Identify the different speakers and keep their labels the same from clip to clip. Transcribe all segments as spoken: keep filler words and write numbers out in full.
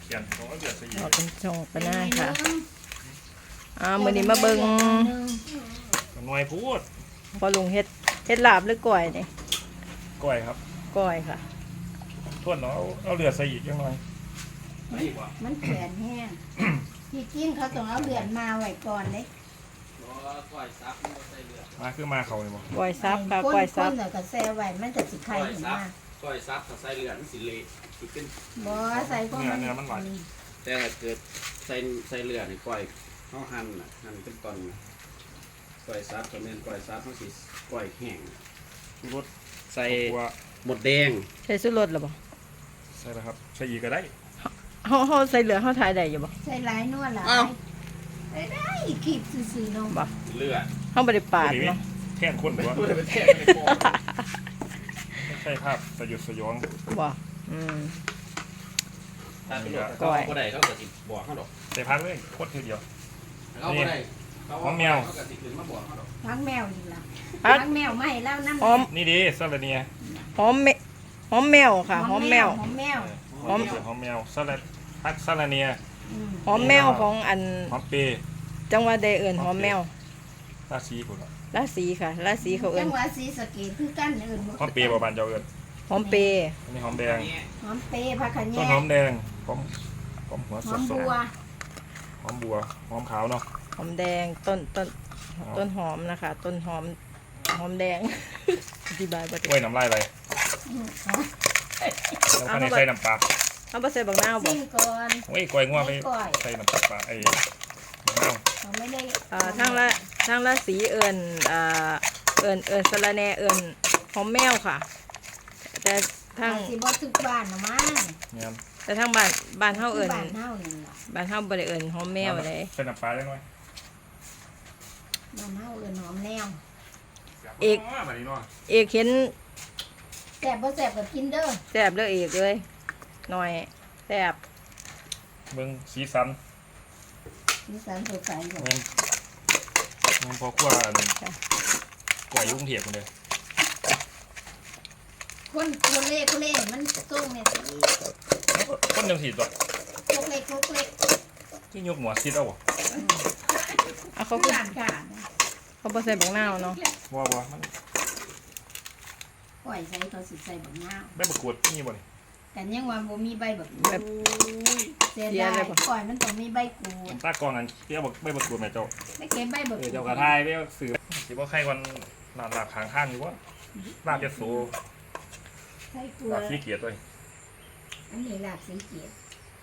Speaker 1: เขียนของเดือดสี
Speaker 2: เราเป็นชงปะหน้าค่ะอ่ามื้อนี้มาเบิ่ง
Speaker 1: หน่วยพูด
Speaker 2: พอลุงเฮ็ดเฮ็ดลาบหรือก้อยนี่
Speaker 1: ก้อยครับ
Speaker 2: ก้อยค่ะ
Speaker 1: ทวนเนาะเอาเอาเดือดใส่อีกยังหน่อย
Speaker 3: มันแข็งแห้งที่กินเขาต้องเอาเลือดมาไว้ก่อนเลย
Speaker 1: มาคือมาเขาเลยบ่
Speaker 2: ก้อยซับค่ะก้อยซับ
Speaker 3: คนๆแล้วก็แซ่ไว้มันจะสิไข่ขึ้นมา
Speaker 4: ก้อยซับถ้าใส่เลือดมันสิเละสิขึ้น
Speaker 3: บ่ใส่พวกมัน
Speaker 4: แต่ถ้าเกิดใส่ใส่เลือดนี่ก้อยเฮาหั่นน่ะหั่นเป็นตอนน่ะก้อยซับก็แม่นก้อยซับเฮาสิก้อยแห้ง
Speaker 1: รส
Speaker 4: ใส่
Speaker 1: ตัว
Speaker 4: หมดแดง
Speaker 2: ใส่สุรสหรอบ่
Speaker 1: ใส่แล้วครับใส่อีกก็ได้
Speaker 2: เฮาเฮาใส่เหลือเฮาทายได้อยู่บ่
Speaker 3: ใส่หลายนวดหลายได้ได้ขีดซื่อๆเนาะ
Speaker 2: บ่
Speaker 4: เลือด
Speaker 2: เฮาบ่ได้ปาดเนาะ
Speaker 1: แท่นคนหรือว่า
Speaker 4: บ่ได้ไปแทงในคอ
Speaker 1: ไม่ใช่ภาพสยดสยอง
Speaker 2: บ่อืม
Speaker 4: ถ้าเป็นก้อยบ่ได้เขาก็สิบอกเฮาดอก
Speaker 1: ใส่พักเลยโคตรทีเดียว
Speaker 4: เขาบ่ได้เขา
Speaker 1: หอมแมว
Speaker 4: เขาก็สิขึ้นมาบอกเฮาดอก
Speaker 3: พักแมวอยู่ล่ะ
Speaker 2: พัก
Speaker 3: พักแมวไม่แล้วน้ำ
Speaker 2: หอม
Speaker 1: นี่ดีซาลาเนีย
Speaker 2: หอมแมหอมแมวค่ะหอมแมว
Speaker 3: หอมแมว
Speaker 1: หอมหอมแมวซาลาพักซาลาเนีย
Speaker 3: อืม
Speaker 2: หอมแมวของอัน
Speaker 1: หอมเปย์
Speaker 2: จังหวัดใดเอิ้นหอมแมว
Speaker 1: ราศีพุ่นละ
Speaker 2: ราศีค่ะราศีเขาเอิ้
Speaker 3: จั
Speaker 2: น
Speaker 3: งหวัดศรีสะเกษคือกันอื่น
Speaker 1: หอมเปย์บ่บานเจ้าเอิ้น
Speaker 2: หอมเปย์
Speaker 1: อันนี้หอมแดง
Speaker 3: หอมเปย์ผักขะ
Speaker 1: ต้
Speaker 3: แย
Speaker 1: น
Speaker 3: ง
Speaker 1: หอมแดงหอมหอมหัว
Speaker 3: ห
Speaker 1: ส
Speaker 3: อ
Speaker 1: ด
Speaker 3: ม
Speaker 1: สด
Speaker 3: บัว
Speaker 1: หอมบัวหอมขาวเนาะ
Speaker 2: หอมแดงต้นต้นต้นหอมนะคะ ต้นหอมหอมแดง อธิบายบ่
Speaker 1: กล้
Speaker 2: ได้
Speaker 1: วยน้ำลายไหลแล้วก็ในใส่น้ำปลา
Speaker 2: เอาบ่ใส่บักนาวบ่
Speaker 3: ซิมก่อน
Speaker 1: โอ้ยกล้วยงัวไป
Speaker 3: ไม่กล้วย
Speaker 1: ใส่น้ำปลาไอ้มะนาว
Speaker 3: เขาไม่ได้
Speaker 2: อ่าทางละทางละสีเอิญอ่าเอิญเอิญสะระแหน่เอิญหอมแมวค่ะ แต่ทาง
Speaker 3: สิบ่ทุกบ้านนะมั้ง
Speaker 1: เนี่ย
Speaker 2: แต่ทางบ้านบ้านเฮาเอิญ
Speaker 3: บ้านเฮานี่ล่ะ
Speaker 2: บ้านเฮาบ่ได้เอิญหอมแมวเลย
Speaker 1: ใส่น้ำปลาได้หน่อย
Speaker 3: บ้านเฮาเอิ้นหอมแนว
Speaker 2: เอก
Speaker 1: แบบนี้เนาะ
Speaker 2: เอกเห็น
Speaker 3: แซ่บบ่แซ่บก็กินเด้อ
Speaker 2: แซ่บเลยเอกเลยหน่อยแซ่บ
Speaker 1: เบิ่งสีสัน
Speaker 3: มีสารสดใสบ่
Speaker 1: เงินเงินพอขั้วอันกล้วยอยุ่กรุงเทพฯเลย
Speaker 3: คนคนเล่คนเล่มันส่งเนี่ยสิ
Speaker 1: แล้วก็คนจังสีตัว
Speaker 3: โคกเล็กโคกเล็ก
Speaker 1: ที่ยกหมวซิดเอาบ่
Speaker 2: เอาเขา
Speaker 3: ทุก
Speaker 2: คือ
Speaker 3: ร้านค่ะ
Speaker 2: เขาบ่ใส่บักนาวเนาะ
Speaker 1: บ่บ่มัน
Speaker 3: ปล่อยใส่เขาสิใส่บักนาว
Speaker 1: ได้ประกวดนี่บ่นี่
Speaker 3: กันยังว่าบ่มีใบบัก
Speaker 2: แบบ
Speaker 3: เสียดายปล่อยมันต้องมีใบกูด
Speaker 1: ตากล้องอันเที่ยวบอกไม่ประกวดแม่เจ้า
Speaker 3: ไม่เก็บใบบัก
Speaker 1: เอ
Speaker 3: กู
Speaker 1: อ
Speaker 3: ด
Speaker 1: เจ้ากระทายไปเอาสื่อสิบ่ใครวันลาดลาบข้างข้างอยู่ว่าลาบจะโซ
Speaker 3: ใส่กู
Speaker 1: ลาบขี้เกียจด้วย
Speaker 3: อันนี้ลาบสีเกียรติ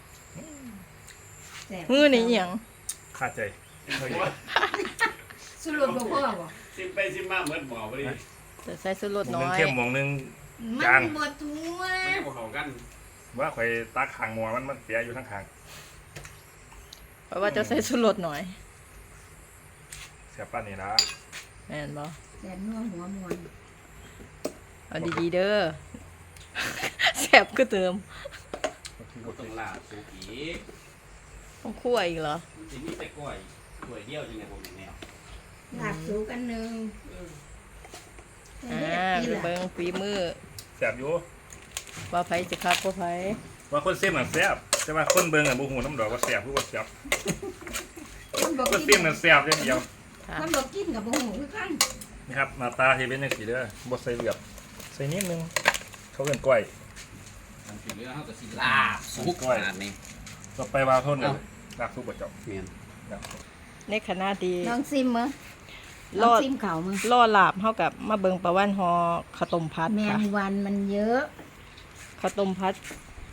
Speaker 3: แซ่บ
Speaker 2: มือนี่อิหยัง
Speaker 1: ขาดใจเฮ้ย
Speaker 3: สุรสบ่พอบ่
Speaker 4: ซิมไปซิมมาเหมือนหมอบ่ได้
Speaker 2: จะใส่สุรส
Speaker 1: หมองหนึง
Speaker 2: น้อย
Speaker 1: เข้มหมองหนึง
Speaker 3: มั
Speaker 1: จาง
Speaker 3: นบ่ทั่ว
Speaker 4: ไม่บ่เข้ากัน
Speaker 1: ว่าข่อยตักข้างหมอมันมันเสียอยู่ทั้งข้าง
Speaker 2: เพราะว่าจะใส่สุรสหน่อย
Speaker 1: เสียป้านนี่ละ
Speaker 2: แม่นบ่
Speaker 3: แซ่บนัวหัวมวน
Speaker 2: เอาดีๆเด้อ แซ่บก็เติม
Speaker 4: บ่ต้องลาบสุกอีก
Speaker 2: ต้องคั่วอีกเหรอ
Speaker 4: มันสิมีแต่ก้อยก้อยเดียวจังได๋บ่แม่นแนว
Speaker 3: ลาบสูกันหนึง
Speaker 2: อ่าไปเบิ่งฝีมือ
Speaker 1: เสียบอยู่
Speaker 2: ว่าไผจะคักบ่ไผ
Speaker 1: ว่าคนเสียมน่ะแซ่บแต่ว่าคนเบิ่งอ่ะบ่ฮู้น้ำดอกว่าแซ่บหรือว่าเสียบ
Speaker 3: คนบ่
Speaker 1: คน
Speaker 3: กิ
Speaker 1: เสียม
Speaker 3: น
Speaker 1: น่ะแซ่บอย่างเดียว
Speaker 2: ค่ะ
Speaker 3: คนบ่กินกับบ่ฮู้คือกัน
Speaker 1: นี่ครับหน้าตาที่เป็นจังซี่เด้อบ่ใส่เลือดใส่นิดนึงเขาเอิ้นก้อย
Speaker 4: มันสิเหลือเฮาก็สิลาบสุกขนาดนี้
Speaker 1: ต่อไปว่าโทษเลยลาบซุปบ่เจ้า
Speaker 4: แม่น
Speaker 1: ครับ
Speaker 2: ในขณะที่
Speaker 3: ลองซิมมื้อ
Speaker 2: ร
Speaker 3: ลอ
Speaker 2: อง ด
Speaker 3: ซิมข้าวมื้อ
Speaker 2: รอลาบเฮากับมาเบิ่งประวันฮอข้าวต้มพัด
Speaker 3: แม
Speaker 2: ค่ะ
Speaker 3: งวันมันเยอะ
Speaker 2: ข้าวต้มพัด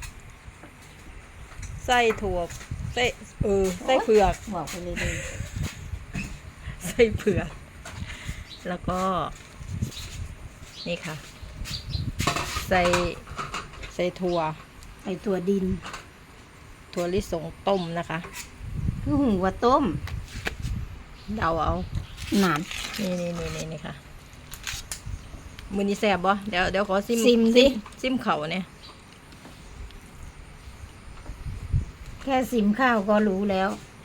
Speaker 2: ไส้ถั่วไส้เออไส้เผือก
Speaker 3: บอกไปเลยเลย
Speaker 2: ไส้เผือก แล้วก็ นี่ค่ะ ใส่ใส่ถั่ว
Speaker 3: ไอตัวดิน
Speaker 2: ถั่วลิสงต้มนะคะ
Speaker 3: คือหูว่าต้ม
Speaker 2: เดาเอา
Speaker 3: หนาน
Speaker 2: นี่นี่นี่นี่นี่ค่ะ มือนี้แสบบ่เดี๋ยวเดี๋ยวขอซิม
Speaker 3: ซิมสิ
Speaker 2: ซิมเข่าเนี่ย
Speaker 3: แค่ซิมข้าวก็รู้แล้ว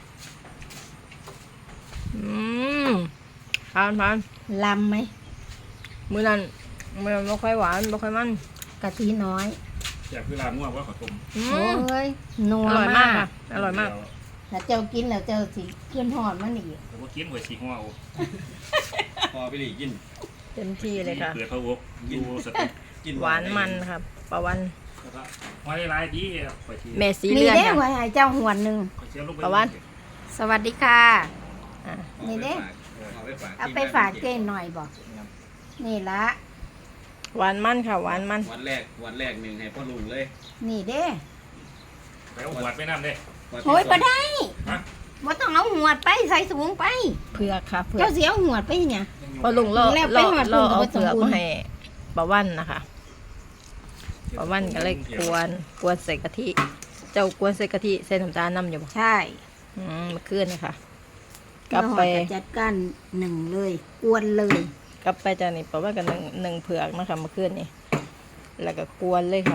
Speaker 2: อืมทานทาน
Speaker 3: ลำไหม
Speaker 2: มือนั้นมันไม่ค่อยหวานไม่ค่อยมัน
Speaker 3: กะทิน้อย
Speaker 2: ก
Speaker 1: อยากคือลาบง่วงว่าขอต้ม
Speaker 2: อื
Speaker 3: โอ้
Speaker 2: ม
Speaker 3: ยนัว
Speaker 2: อร่อยมาก
Speaker 3: มาก
Speaker 2: ค่ะ อร่อยมาก
Speaker 3: ถ้าเจ้ากินแล้วเจ้าสิขึ้นหอดมันอีก
Speaker 1: แต่ว่ากินหัวฉีกหัวโอ้
Speaker 4: พอไปหลีกิน
Speaker 2: เต็มที่เลยค่ะ
Speaker 1: เปิดพะวกดูสติ
Speaker 4: กิน
Speaker 2: หวานมันครับปลาวัน
Speaker 1: ไว้ลายดีข่อยที
Speaker 2: เมสี
Speaker 3: มี
Speaker 2: เลือน
Speaker 3: เด้
Speaker 2: ค่ะ
Speaker 3: ไว้ให้เจ้าหวนหนึ่ง
Speaker 1: ข่อยเชียวลงไป
Speaker 2: ประวัน สวัสดีค่ะอ่ะ
Speaker 3: นี่เด้
Speaker 4: เอาไปฝาก
Speaker 3: เอาไปฝากเจ้หน่อยบอกนี่ละ
Speaker 2: หวานมันค่ะ หวานมัน
Speaker 4: วันแรกวันแรกหนึ่งให้พ่อลุงเลย
Speaker 3: นี่เด้
Speaker 1: ไปเอาหัวไปน้ำเด้
Speaker 4: วันที่
Speaker 3: โอ้ย
Speaker 4: สอง
Speaker 3: บ่ได้
Speaker 1: ฮะ
Speaker 3: บ่ต้องเอาหวดไปใส่สูงไป
Speaker 2: เผือกค่ะเผือก
Speaker 3: เจ้าเสียหวดไปเนี่ย
Speaker 2: พอลุงเรา
Speaker 3: แล้วไป
Speaker 2: เรา
Speaker 3: หอด
Speaker 2: เรา
Speaker 3: ลุงก็
Speaker 2: เอา
Speaker 3: บ่สม
Speaker 2: เผือก
Speaker 3: บูรณ์
Speaker 2: มาให้ปลาวันนะคะปลาวันก็เลยกวนกวนใส่กะทิ เจ้ากวนใส่กะทิใส่น้ำตาลน้ำอยู่บ่
Speaker 3: ใช่
Speaker 2: อืมเมื่อคืนนี่ค่ะกลับไป
Speaker 3: แล้วหอดก็จัดการหนึ่งเลยกวนเลย
Speaker 2: กลับไปจากนี่ปลาวันกับหนึ่งหนึ่งเผือกนะคะเมื่อคืนนี่แล้วก็กวนเลยค่ะ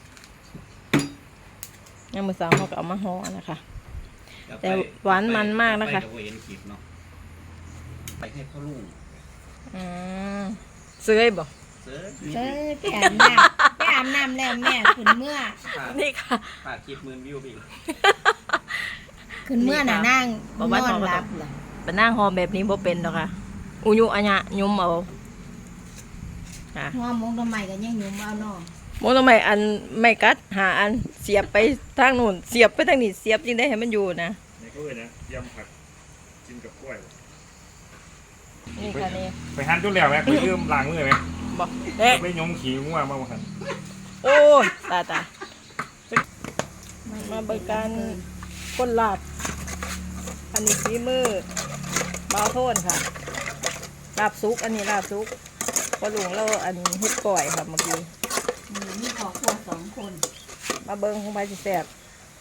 Speaker 2: ยังมือสาวเขาก็เอามาห่อนะคะ แต่หวานมันมากนะคะ
Speaker 4: ไปเห็นคลิปเนาะไปให้พ่อลุง
Speaker 2: อืมซื้อให้บอก
Speaker 4: เสิร์ช
Speaker 3: เอ้ยไปอาบน้ำไปอาบน้ำแล้วแม่ขึ้นเมื่อ
Speaker 2: นี่ค่ะ
Speaker 4: ฝากคลิปหมื่นวิวไปอีก
Speaker 3: ขึ้นเมื่อน่ะนั่ง
Speaker 2: บอก
Speaker 3: น
Speaker 2: ว่า
Speaker 3: อนหลับเหรอ
Speaker 2: เป็นนั่งหอแบบนี้บ่เป็นหรอกค่ะ อุยุอัญญะยุมเอาค่ะ
Speaker 3: หัวมงทำไมกันยังหยุ่มเอาเนาะ
Speaker 2: โมทำไมอันไม่กัดหาอันเสียบไปทางนู้นเสียบไปทางนี้เสียบจริงได้ให้มันอยู่นะ
Speaker 1: นี่ก็เลยนะยำผักกินกับกล้วย
Speaker 2: นี่ค่ะนี่
Speaker 1: ไปหันตุ้นแล้วไหมไปยืมล้างมือไหม
Speaker 2: บอกเอ๊ะ
Speaker 1: ไปยงขี่งัวมาบ่หัน
Speaker 2: โอ้ยตายตายมาเบิกการคนลาบ อันนี้ฝีมือเบาโทนค่ะลาบซุก อันนี้ลาบซุกพอลุงเราอันเฮ็ดก่อยค่ะเมื่อกี้
Speaker 3: อืมมีครอบครัวสองคน
Speaker 2: มาเบิ้งของไปสิแซ่บ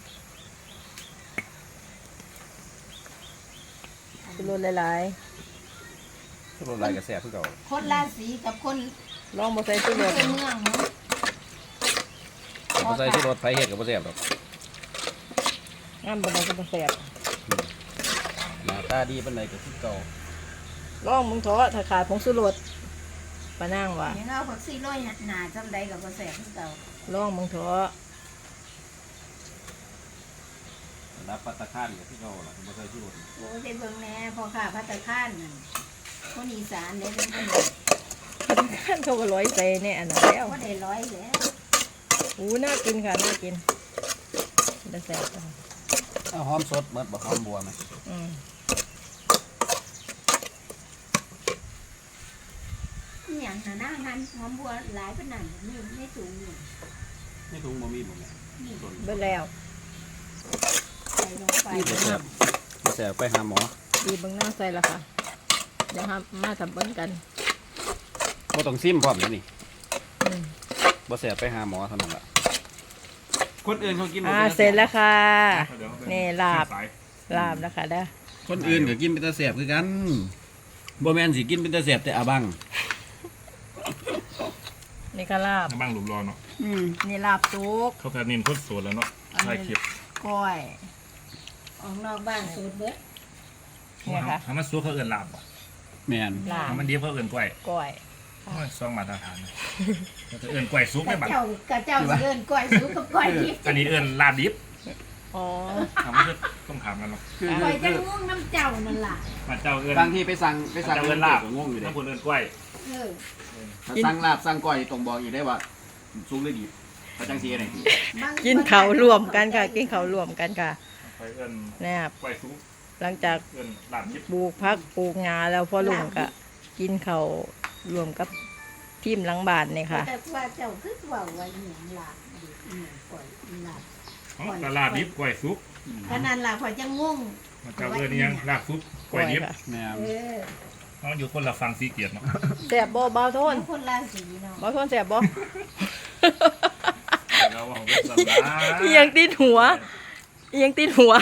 Speaker 2: สิรสหลาย
Speaker 4: ทุกรายกระแสเพื่อเก่า
Speaker 3: คนราศีกับคน
Speaker 2: ๆลองบ่ใส่สิรส
Speaker 3: เป็นเมืองเนาะ
Speaker 4: เขาใส่ที่รถไฟเห็ดกับกระแสหรอก
Speaker 2: งามบ่ได้ก็บ่แซ่บ
Speaker 4: หน้าตาดีเป็นไรกับที่เก่า
Speaker 2: ลองมึงเถอะถ้าขาดผงชูรสปะนางว่า
Speaker 3: อย่างเอาผักซีโร่ยหนาจำใดกับกระแสที่เก่า
Speaker 2: ลองมึงเถอะ
Speaker 4: รับปัตตาคานกับที่เก่าล่ะเขาใส่ที่รถ
Speaker 3: โอ้ยไปเบิ่งแหน่พอข้าพัตตาคานนั่นคนอีสานเด้เป็นคน
Speaker 2: ขั้นเขาก็ร้อยใจเนี่ยอันนั้นแล้ว
Speaker 3: ก็ได้ร้อยแล้ว
Speaker 2: อู้น่ากินค่ะน่ากินได้แซ่บค่ะ
Speaker 4: เอาหอมสดเมิดบ่หอมบัวไหม
Speaker 2: อืม
Speaker 3: อหย่างหาหน้าหันหอมบัวหลายเป็นหนังนี่ไม่สูงอยู่
Speaker 4: ไม่ถุงบ่มีบ่แม่
Speaker 3: นี่
Speaker 4: ต้น
Speaker 2: เบิดแล้ว
Speaker 3: ใส่ลงไป
Speaker 4: กระแสกระแสไปหาหมอ
Speaker 2: ดีเบิ่งหน้าใส่ละค่ะเดี๋ยวครับมาทำเบิ่งกัน
Speaker 4: บ่ต้องซิมพร้อมแล้วนี่
Speaker 2: อืม
Speaker 4: บ่แสบไปหาหมอเท่านั้นล่ะคนอื่นเขากินบ่
Speaker 2: อ่า
Speaker 4: ป็นตา
Speaker 2: เสร็จแล้วค่ะ
Speaker 1: เดี๋ยว
Speaker 2: นี่ลาบ
Speaker 1: สาย
Speaker 2: ลาบแล้วค่ะเด้อ
Speaker 4: คนอื่นก็กินเป็นตาแสบคือกันบ่แม่นสิกินเป็นตาแสบแต่อาบัง
Speaker 2: นี่ก็ลาบ
Speaker 1: น้ำบ้างหลุมรอเนาะ
Speaker 3: อืม
Speaker 2: นี่ลาบซุก
Speaker 1: เขาก็เน้นคนโสดแล้วเนาะใช่คลิป
Speaker 2: ก้อย
Speaker 3: ออกนอกบ้านสูตรเบิด
Speaker 2: เนี่ยค่ะ
Speaker 1: ทำมันซัวเขาเอื่นลาบบ่
Speaker 4: แม่น
Speaker 2: ลาบ
Speaker 1: ทำมันเดียวเขาเอื่นกล้วย
Speaker 2: ก้อย
Speaker 1: โอ้ยซองมาตรฐานนะเขาจะเอื่นกล้วยซุป
Speaker 3: ก
Speaker 1: ไม่
Speaker 3: ระ
Speaker 1: บัด
Speaker 3: เจ้ากระเจ้าเดินก้อยสูกับก้อยทิพย์
Speaker 1: อันนี้เอื่นลาบดิบ
Speaker 2: อ๋อ
Speaker 1: ทำมันก็ต้องถามกันเนาะ
Speaker 4: คือ
Speaker 3: ก้อย
Speaker 4: คื
Speaker 3: จะ
Speaker 4: อ
Speaker 3: ง่วงน้ำเจ้านั่นล่ะ
Speaker 1: มาเจ้าเอื่น
Speaker 4: บางทีไปสั่งไปสั่ง
Speaker 1: เจ้าเอื่นลาบ
Speaker 4: ก็งงอยู่เด้
Speaker 1: ถ้าคนเอื่นกล้วย
Speaker 3: เออ
Speaker 4: ถ้าสั่งลาบสั่งก้อยต้องบอกอีกได้ว่าสูงหรือดีถ้าจังซี่ได้ดี
Speaker 3: บาง
Speaker 2: กินเขาวรวมกันค่ะ กินเขาวรวมกันค่ะ
Speaker 1: ไปเอื่น
Speaker 2: เนี่ย
Speaker 1: กล้วยซุป
Speaker 2: หลังจาก
Speaker 1: เอื่นลาบดิบ
Speaker 2: ปลูกพักปลูกงาแล้วพ่อลุงก็กินเขาวรวมกับทีมหลังบ้านนี่ค่ะ
Speaker 3: แต่ว่าเจ้าคือว่าว่าอหย่างหลับอหย่างก้อยหลับ
Speaker 1: อ๋อแต่ลาบดิบกล้วยซุป
Speaker 3: ขนาดหลับข่อยจะง่วง
Speaker 1: มาเจ้าเอื่นนี่ยังลาบซุปกล้วยดิบ
Speaker 4: แม่น
Speaker 3: เออ
Speaker 1: เขาอยู่คนละฟังสีเกียรติเนาะ
Speaker 2: แสบบ่เบาโทน
Speaker 3: เป็นคนราศีเนาะ
Speaker 2: เบาโทนแสบบ่
Speaker 1: เราของเป็นสันดา
Speaker 2: อีหยังติดหัวอีหยังติดหัว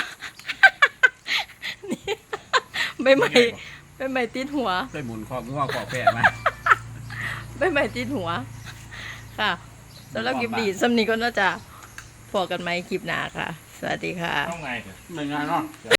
Speaker 2: นี่ใบไม้ใบไม้ติดหัว
Speaker 4: ได้หมุนคอกงัวคอกแพะมา
Speaker 2: ใบไม้ติดหัว ค่ะสำหรับคลิปดีสำนีก็น่าจะพอกันไหมคลิปหน้าค่ะ สวัสดีค่ะ
Speaker 1: ต้องไงเถอะ
Speaker 4: หนึ่งงานเนาะ